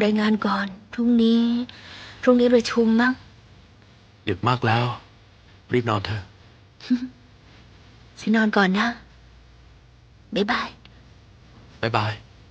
ำรายงานก่อน พรุ่งนี้ประชุมมั้งดึกมากแล้ว รีบนอนเถอะฉันนอนก่อนนะ บ๊ายบายบ๊ายบาย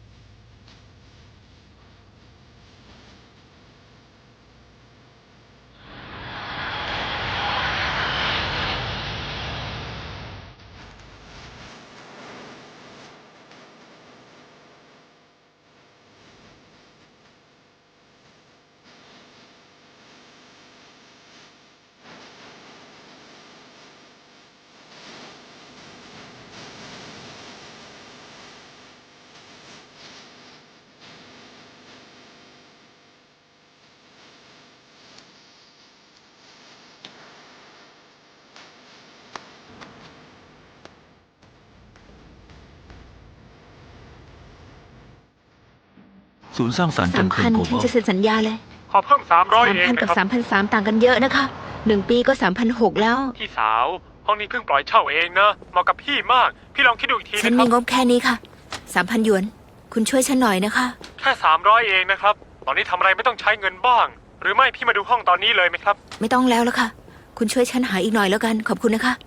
ศูนย์สร้างสรรค์จันทร์ 3,000 โกฉันลบอลจะเซ็นสัญญาเลยขอเพิ่ม300 เอง 3,000 นะกับครับ 3,300 ต่างกันเยอะนะคะ1 ปีก็ 3,600 แล้วพี่สาว ห้องนี้เพิ่งปล่อยเช่าเองนะเหมาะกับพี่มาก พี่ลองคิดดูอีกทีฉันนะคมีรับงบแค่นี้ค่ะ 3,000 หยวน คุณช่วยฉันหน่อยนะคะแค่300 เองนะครับ ตอนนี้ทำอะไรไม่ต้องใช้เงินบ้าง หรือไม่พี่มาดูห้องตอนนี้เลยไหมครับไม่ต้องแล้วละค่ะ คุณช่วยฉันหาอีกหน่อยแล้วกัน ขอบคุณนะคะ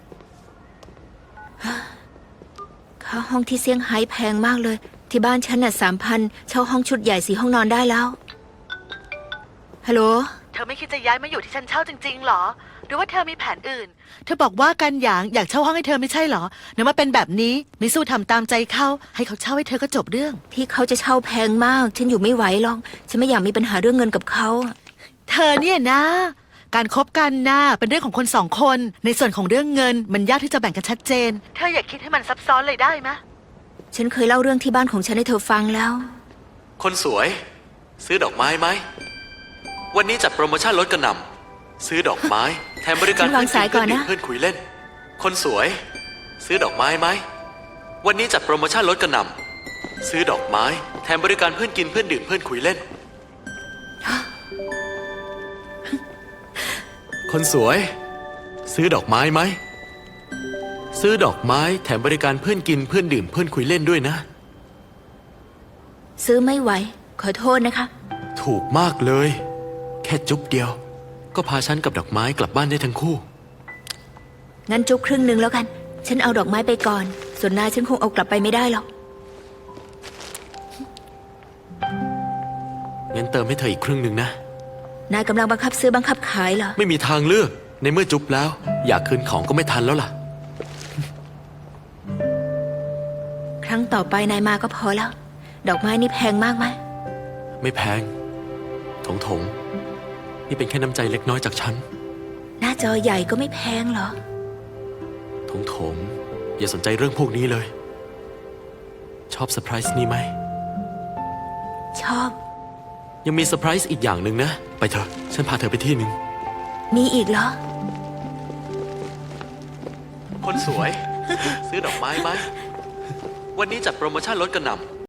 ค่าห้องที่เซี่ยงไฮ้แพงมากเลย ที่บ้านฉันน่ะ 3,000 เช่าห้องชุดใหญ่4 ห้องนอนได้แล้ว ฮัลโหลเธอไม่คิดจะย้ายมาอยู่ที่ฉันเช่าจริงๆหรอ หรือว่าเธอมีแผนอื่น เธอบอกว่ากันหยางอยากเช่าห้องให้เธอไม่ใช่หรอเนื่อมาเป็นแบบนี้ไม่สู้ทำตามใจเขาให้เขาเช่าให้เธอก็จบเรื่องที่เขาจะเช่าแพงมาก ฉันอยู่ไม่ไหวหรอก ฉันไม่อยากมีปัญหาเรื่องเงินกับเขาเธอเนี่ยนะ การคบกันนะเป็นเรื่องของคนสองคน ในส่วนของเรื่องเงินมันยากที่จะแบ่งกันชัดเจน เธออย่าคิดให้มันซับซ้อนเลยได้ไหมฉันเคยเล่าเรื่องที่บ้านของฉันให้เธอฟังแล้วคนสวย ซื้อดอกไม้ไหม วันนี้จัดโปรโมชั่นลดกระหน่ำซื้อดอกไม้ แถมบริการฉันวางสายก่อนนะเพื่อนคุยเล่น คนสวย ซื้อดอกไม้ไหม วันนี้จัดโปรโมชั่นลดกระหน่ำซื้อดอกไม้ แถมบริการเพื่อนกินเพื่อนดื่มเพื่อนคุยเล่น คนสวย ซื้อดอกไม้ไหม ซื้อดอกไม้แถมบริการเพื่อนกินเพื่อนดื่มเพื่อนคุยเล่นด้วยนะซื้อไม่ไหว ขอโทษนะคะถูกมากเลย แค่จุ๊บเดียว ก็พาฉันกับดอกไม้กลับบ้านได้ทั้งคู่งั้นจุ๊บครึ่งหนึ่งแล้วกัน ฉันเอาดอกไม้ไปก่อน ส่วนนายฉันคงเอากลับไปไม่ได้หรอกงั้นเติมให้เธออีกครึ่งหนึ่งนะนายกำลังบังคับซื้อบังคับขายเหรอไม่มีทางเลือก ในเมื่อจุ๊บแล้ว อยากคืนของก็ไม่ทันแล้วล่ะครั้งต่อไปนายมาก็พอแล้ว ดอกไม้นี่แพงมากไหมไม่แพง ถงนี่เป็นแค่น้ำใจเล็กน้อยจากฉันหน้าจอใหญ่ก็ไม่แพงเหรอถงอย่าสนใจเรื่องพวกนี้เลย ชอบเซอร์ไพรส์นี้ไหมชอบยังมีเซอร์ไพรส์อีกอย่างหนึ่งนะ ไปเถอะ ฉันพาเธอไปที่หนึ่งมีอีกเหรอคนสวย ซื้อดอกไม้ไหม วันนี้จัดโปรโมชั่นลดกระหน่